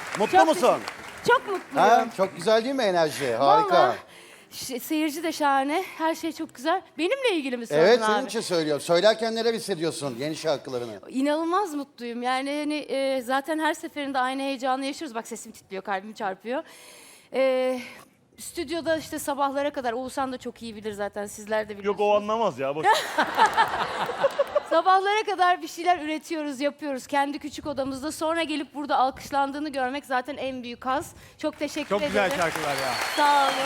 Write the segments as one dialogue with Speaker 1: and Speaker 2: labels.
Speaker 1: Mutlu musun?
Speaker 2: Çok mutluyum.
Speaker 1: Ha? Çok güzel değil mi enerji? Harika.
Speaker 2: Vallahi, seyirci de şahane. Her şey çok güzel. Benimle ilgili mi sordun
Speaker 1: Evet,
Speaker 2: abi?
Speaker 1: senin için söylüyorum. Söylerken neler hissediyorsun yeni şarkılarını?
Speaker 2: İnanılmaz mutluyum. Yani hani, zaten her seferinde aynı heyecanı yaşıyoruz. Bak sesim titriyor, kalbim çarpıyor. Stüdyoda işte sabahlara kadar, Oğuzhan da çok iyi bilir zaten, sizler de biliyorsunuz.
Speaker 3: Yok o anlamaz ya. Boş.
Speaker 2: Sabahlara kadar bir şeyler üretiyoruz, yapıyoruz kendi küçük odamızda. Sonra gelip burada alkışlandığını görmek zaten en büyük haz. Çok teşekkür
Speaker 4: Çok
Speaker 2: ederim.
Speaker 4: güzel şarkılar ya.
Speaker 2: Sağ olun.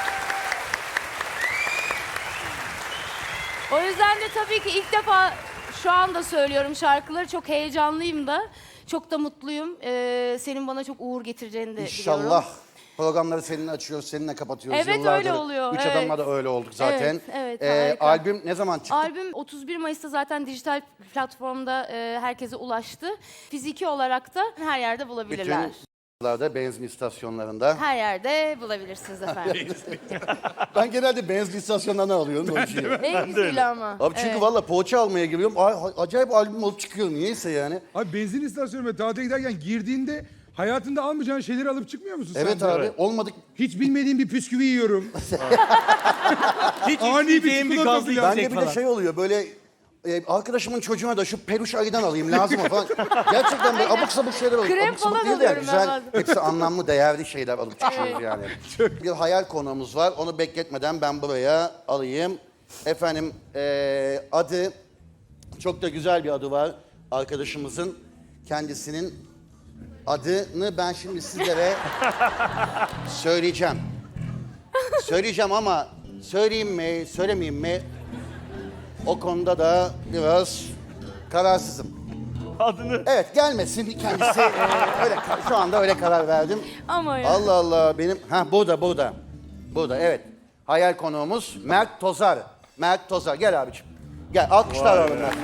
Speaker 2: O yüzden de tabii ki ilk defa şu anda söylüyorum şarkıları. Çok heyecanlıyım da. Çok da mutluyum. Senin bana çok uğur getireceğini de
Speaker 1: İnşallah.
Speaker 2: biliyorum.
Speaker 1: Programları seninle açıyoruz, seninle kapatıyoruz.
Speaker 2: Evet,
Speaker 1: Yıllardır
Speaker 2: öyle oluyor,
Speaker 1: Üç
Speaker 2: evet.
Speaker 1: Adam'la da öyle olduk zaten.
Speaker 2: Evet, harika.
Speaker 1: Albüm ne zaman çıktı?
Speaker 2: Albüm 31 Mayıs'ta zaten dijital platformda herkese ulaştı. Fiziki olarak da her yerde bulabilirler.
Speaker 1: Bütün benzin istasyonlarında.
Speaker 2: Her yerde bulabilirsiniz efendim.
Speaker 1: Ben genelde benzin istasyonlarından alıyorum. o şeyi.
Speaker 2: En güzeli ama.
Speaker 1: Abi çünkü
Speaker 2: Evet.
Speaker 1: valla poğaça almaya giriyorum. Acayip albüm alıp çıkıyorum. Niyeyse yani.
Speaker 5: Abi benzin istasyonu ve tatile giderken girdiğinde hayatında almayacağın şeyleri alıp çıkmıyor musun
Speaker 1: Evet
Speaker 5: sen de?
Speaker 1: abi. Olmadık.
Speaker 5: Hiç bilmediğim bir bisküvi yiyorum.
Speaker 4: Hiç
Speaker 5: Ani bir
Speaker 4: içmeyeceğim bir
Speaker 5: çikolata
Speaker 4: gazlı
Speaker 5: filan.
Speaker 1: Bende
Speaker 4: içecek
Speaker 1: bir de
Speaker 4: falan.
Speaker 1: şey oluyor böyle arkadaşımın çocuğuna da şu peluş ayıdan alayım lazım mı falan. Gerçekten böyle abuk sabuk şeyler oluyor.
Speaker 2: Krem
Speaker 1: Abuk sabuk
Speaker 2: falan
Speaker 1: değil de
Speaker 2: alıyorum ben
Speaker 1: güzel.
Speaker 2: bazen.
Speaker 1: Hepsi anlamlı, değerli şeyler alıp çıkıyoruz yani. Bir hayal konuğumuz var. Onu bekletmeden ben buraya alayım. Efendim adı, çok da güzel bir adı var arkadaşımızın. Kendisinin adını ben şimdi sizlere söyleyeceğim. Söyleyeceğim ama söyleyeyim mi, söylemeyeyim mi? O konuda da biraz kararsızım.
Speaker 3: Adını.
Speaker 1: Evet, gelmesin kendisi. Öyle şu anda öyle karar verdim.
Speaker 2: Ama ya.
Speaker 1: Allah Allah benim. Burada. Burada evet. Hayal konuğumuz Mert Tozar. Mert Tozar gel abiciğim. Gel alkışlar alalım Mert.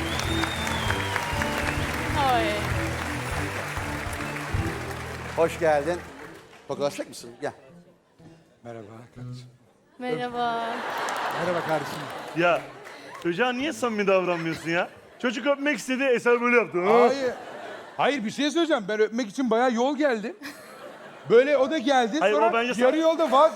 Speaker 2: Ay.
Speaker 1: Hoş geldin. Fotoğrafçak mısın? Gel.
Speaker 5: Merhaba kardeşim.
Speaker 2: Merhaba.
Speaker 5: Merhaba kardeşim.
Speaker 3: Ya çocuğa niye samimi davranmıyorsun ya? Çocuk öpmek istedi, Eser böyle yaptı.
Speaker 5: Hayır. Hayır bir şey söyleyeceğim. Ben öpmek için bayağı yol geldim. Böyle o da geldi.
Speaker 3: Hayır,
Speaker 5: sonra
Speaker 3: o bence
Speaker 5: yarı yolda vaz...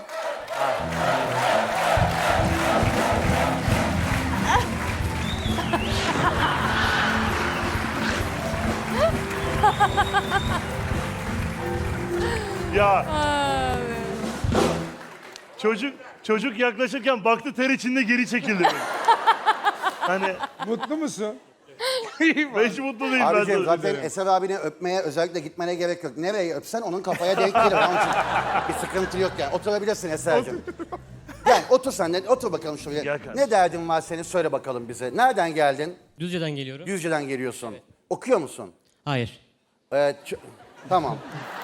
Speaker 3: Ya. Çocuk yaklaşırken baktı ter içinde geri çekildi. Hani
Speaker 5: Mutlu musun?
Speaker 3: ben hiç mutlu değilim.
Speaker 1: Abiciğim
Speaker 3: ben
Speaker 1: zaten Eser abine öpmeye özellikle gitmene gerek yok. Nereye öpsen onun kafaya denk gelir. Onun için bir sıkıntı yok yani. Oturabilirsin Eser'cim. Gel otur sen de. Otur bakalım şuraya.
Speaker 3: Gel kardeşim.
Speaker 1: Ne derdin var senin söyle bakalım bize. Nereden geldin?
Speaker 6: Düzce'den geliyorum.
Speaker 1: Düzce'den geliyorsun. Okuyor musun?
Speaker 6: Hayır.
Speaker 1: Tamam.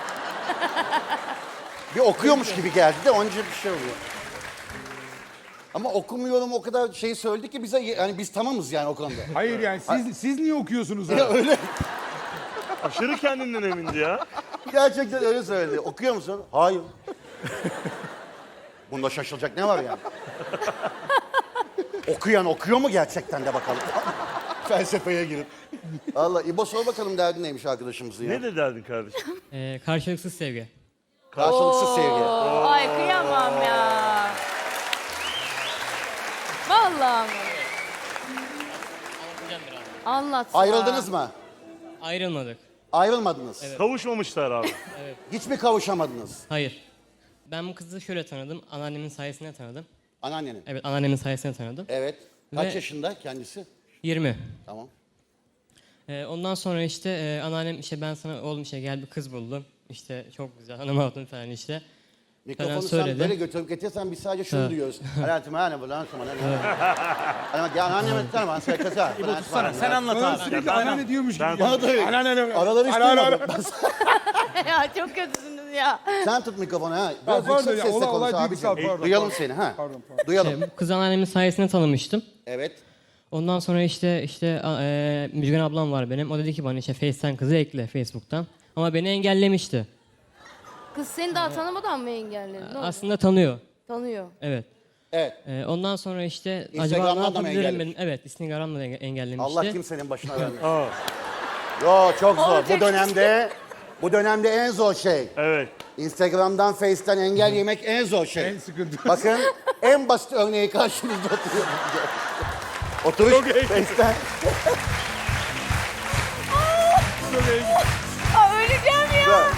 Speaker 1: Bir okuyormuş gibi geldi de onun için bir şey oluyor. Ama okumuyorum o kadar şey söyledi ki bize yani biz tamamız yani o konuda.
Speaker 5: Hayır yani siz niye okuyorsunuz abi?
Speaker 1: Öyle.
Speaker 3: Aşırı kendinden emindi ya.
Speaker 1: Gerçekten öyle söyledi. Okuyor musun? Hayır. Bunda şaşılacak ne var yani? Okuyan okuyor mu gerçekten de bakalım. Felsefeye girip. Allah İbo sor bakalım derdin neymiş arkadaşımızın ya.
Speaker 3: Ne de derdin kardeşim?
Speaker 6: Karşılıksız sevgi.
Speaker 1: Karşılıksız sevgi.
Speaker 2: Ay kıyamam ya. Vallahi mi? Anlat.
Speaker 1: Ayrıldınız mı?
Speaker 6: Ayrılmadık.
Speaker 1: Ayrılmadınız.
Speaker 3: Kavuşmamışlar abi.
Speaker 1: Hiç mi kavuşamadınız?
Speaker 6: Hayır. Ben bu kızı şöyle tanıdım. Anneannemin sayesinde tanıdım.
Speaker 1: Anneannenin.
Speaker 6: Evet, anneannemin sayesinde tanıdım.
Speaker 1: Evet. Kaç
Speaker 6: Ve-
Speaker 1: yaşında kendisi?
Speaker 6: 20.
Speaker 1: Tamam.
Speaker 6: Ondan sonra işte anneannem işte ben sana oğlum işte gel bir kız buldum. İşte çok güzel hanım hatun falan işte.
Speaker 1: Mikrofonu
Speaker 6: Falan
Speaker 1: sen
Speaker 6: söyledi.
Speaker 1: böyle götürüp getirsen biz sadece şunu
Speaker 6: Evet.
Speaker 1: duyuyoruz. Hayatım hani bu lan sana ne? Hani ya anneme tanımam sen kasa.
Speaker 4: İbo tutsana, sen anlat
Speaker 5: Bana
Speaker 4: abi.
Speaker 5: sürekli anneanne diyormuş gibi.
Speaker 3: Ben-
Speaker 1: Bana da öyle.
Speaker 5: Anneanne.
Speaker 1: Araları hiç
Speaker 5: Anneanne.
Speaker 1: duymadım.
Speaker 2: Ya çok kötüsünüz ya.
Speaker 1: Sen tut mikrofonu ha. Biraz
Speaker 5: pardon
Speaker 1: yüksek
Speaker 5: ya,
Speaker 1: sesle
Speaker 5: olay
Speaker 1: konuş
Speaker 5: duygusal,
Speaker 1: abicim.
Speaker 5: pardon,
Speaker 1: Duyalım
Speaker 5: pardon.
Speaker 1: seni ha.
Speaker 5: Pardon.
Speaker 1: Duyalım.
Speaker 6: Bu kızı anneannemin sayesinde tanımıştım.
Speaker 1: Evet.
Speaker 6: Ondan sonra işte Müjgan ablam var benim. O dedi ki bana işte Face'ten kızı ekle Facebook'tan. Ama beni engellemişti.
Speaker 2: Kız seni daha tanımadan mı engelledi? Ne oldu?
Speaker 6: Aslında tanıyor.
Speaker 2: Tanıyor.
Speaker 6: Evet.
Speaker 1: Evet.
Speaker 6: Ondan sonra işte acaba
Speaker 1: Instagram'dan
Speaker 6: ne
Speaker 1: da mı
Speaker 6: yapabilirim
Speaker 1: engellemiş?
Speaker 6: benim? Evet, Instagram'dan da engellemişti.
Speaker 1: Allah kimsenin başına vermesin.
Speaker 3: Aa.
Speaker 1: Yo çok zor.
Speaker 2: Olacak
Speaker 1: Bu dönemde Bu dönemde en zor şey.
Speaker 3: Evet.
Speaker 1: Instagram'dan, Face'ten engel yemek en zor şey.
Speaker 5: En sıkıntı.
Speaker 1: Bakın en basit örneği karşınızda oturuyor. Oturuş Face'ten.
Speaker 2: Aa, öleceğim ya.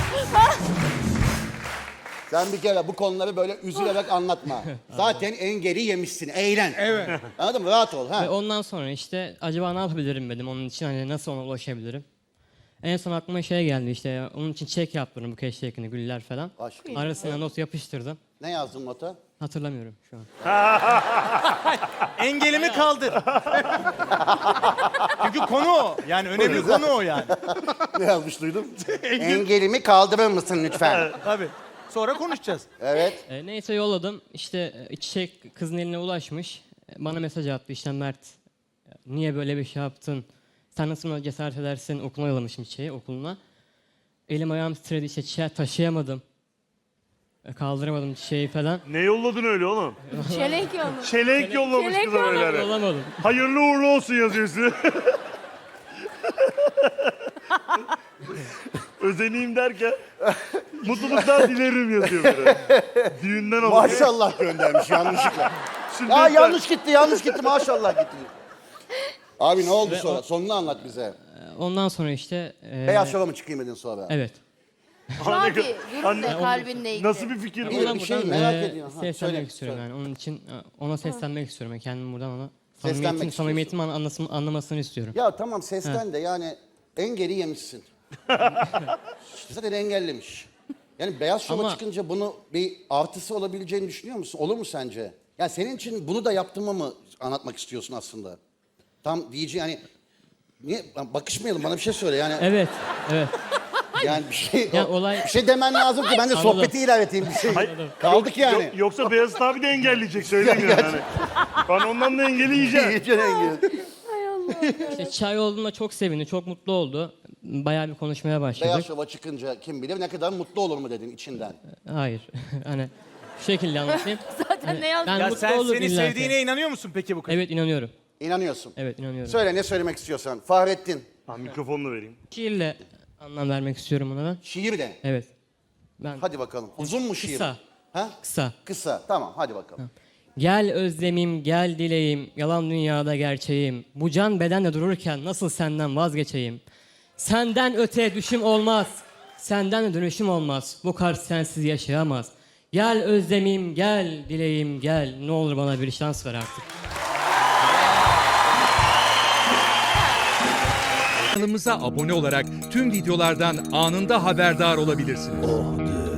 Speaker 1: Sen bir kere bu konuları böyle üzülerek anlatma. Zaten engeli yemişsin. Eğlen.
Speaker 5: Evet.
Speaker 1: Anladın mı? Rahat ol. Ha.
Speaker 6: Ve ondan sonra işte acaba ne yapabilirim dedim onun için, hani nasıl ona ulaşabilirim. En son aklıma şey geldi, işte onun için çek yaptırdım, bu keşkekini, güller falan.
Speaker 1: Aşkım.
Speaker 6: Arasına not yapıştırdım.
Speaker 1: Ne yazdın nota?
Speaker 6: Hatırlamıyorum şu an.
Speaker 4: Engelimi kaldır. Çünkü konu o. Yani önemli konu o yani.
Speaker 1: Ne yazmış duydum? Engelimi kaldırır mısın lütfen?
Speaker 4: Tabii. Sonra konuşacağız.
Speaker 1: Evet.
Speaker 6: Neyse yolladım. İşte çiçek kızın eline ulaşmış. Bana mesaj attı, işte Mert niye böyle bir şey yaptın? Sen nasıl buna cesaret edersin? Okuluna yollamışım çiçeği, okuluna. Elim ayağım titredi, işte çiçeği taşıyamadım. Kaldıramadım çiçeği falan.
Speaker 3: Ne yolladın öyle oğlum?
Speaker 2: Çelenk yolunu.
Speaker 3: Çelenk yollamış
Speaker 2: Çelenk
Speaker 3: kıza böyle.
Speaker 6: Yollamadım.
Speaker 3: Hayırlı uğurlu olsun yazıyorsun. Özeneyim derken mutluluklar dilerim yazıyor böyle. Düğünden alıyor.
Speaker 1: Maşallah göndermiş yanlışlıkla.
Speaker 3: Şimdi
Speaker 1: Ya yanlış gitti maşallah gitti. Abi ne oldu sonra? Sonunu anlat bize.
Speaker 6: Ondan sonra işte...
Speaker 1: Beyaz şova mı çıkayım dedin sonra?
Speaker 6: Evet.
Speaker 2: Şu an bir durum da
Speaker 3: Anne-
Speaker 2: kalbinle ilgili.
Speaker 3: Nasıl bir fikir bu?
Speaker 1: Bir- bir şey merak ediyorum. Ha,
Speaker 6: Seslenmek
Speaker 1: söyle,
Speaker 6: istiyorum
Speaker 1: söyle.
Speaker 6: yani. Onun için ona seslenmek istiyorum. Yani kendim buradan ona
Speaker 1: Seslenmek
Speaker 6: samimiyetimi anlamasını istiyorum.
Speaker 1: Ya tamam sesten de yani engeli yemişsin. Zaten engellemiş. Yani beyaz şova
Speaker 6: Ama-
Speaker 1: çıkınca bunu bir artısı olabileceğini düşünüyor musun? Olur mu sence? Yani senin için bunu da yaptığımı mı anlatmak istiyorsun aslında? Tam diyeceği yani niye bakışmayalım bana bir şey söyle yani.
Speaker 6: Evet, evet.
Speaker 1: Yani bir şey
Speaker 6: Ya olay-
Speaker 1: bir şey demen lazım ki ben de
Speaker 6: Anladım.
Speaker 1: sohbeti ilerleteyim bir şey. Kaldık yani.
Speaker 3: Yoksa Beyazıt abi de engelleyecek söylemiyorum yani. Ben ondan da engeli yiyeceğim.
Speaker 1: İyice engel.
Speaker 6: İşte çay olduğunda çok sevindi, çok mutlu oldu. Bayağı bir konuşmaya
Speaker 1: Beyaz
Speaker 6: başladık.
Speaker 1: şova çıkınca kim bilir ne kadar mutlu olur mu dedin içinden.
Speaker 6: Hayır. Hani şu şekilde anlatayım.
Speaker 2: Zaten ne yazdın?
Speaker 6: Ben
Speaker 4: Ya
Speaker 6: mutlu
Speaker 4: sen
Speaker 6: olur
Speaker 4: seni
Speaker 6: illa ki.
Speaker 4: sevdiğine inanıyor musun peki bu kız?
Speaker 6: Evet, inanıyorum.
Speaker 1: İnanıyorsun.
Speaker 6: Evet, inanıyorum.
Speaker 1: Söyle ne söylemek istiyorsan. Fahrettin.
Speaker 3: Ben mikrofonunu vereyim.
Speaker 6: Şiirle anlam vermek istiyorum ona ben.
Speaker 1: Şiir de.
Speaker 6: Evet. Ben
Speaker 1: Hadi bakalım. Uzun mu şiir?
Speaker 6: Kısa.
Speaker 1: Ha?
Speaker 6: Kısa.
Speaker 1: Kısa. Tamam hadi bakalım.
Speaker 6: Gel özlemim, gel dileğim, yalan dünyada gerçeğim. Bu can bedende dururken nasıl senden vazgeçeyim? Senden öte düşüm olmaz, senden de dönüşüm olmaz. Bu kalp sensiz yaşayamaz. Gel özlemim, gel dileğim, gel. Ne olur bana bir şans ver artık.
Speaker 7: Kanalımıza abone olarak tüm videolardan anında haberdar olabilirsiniz.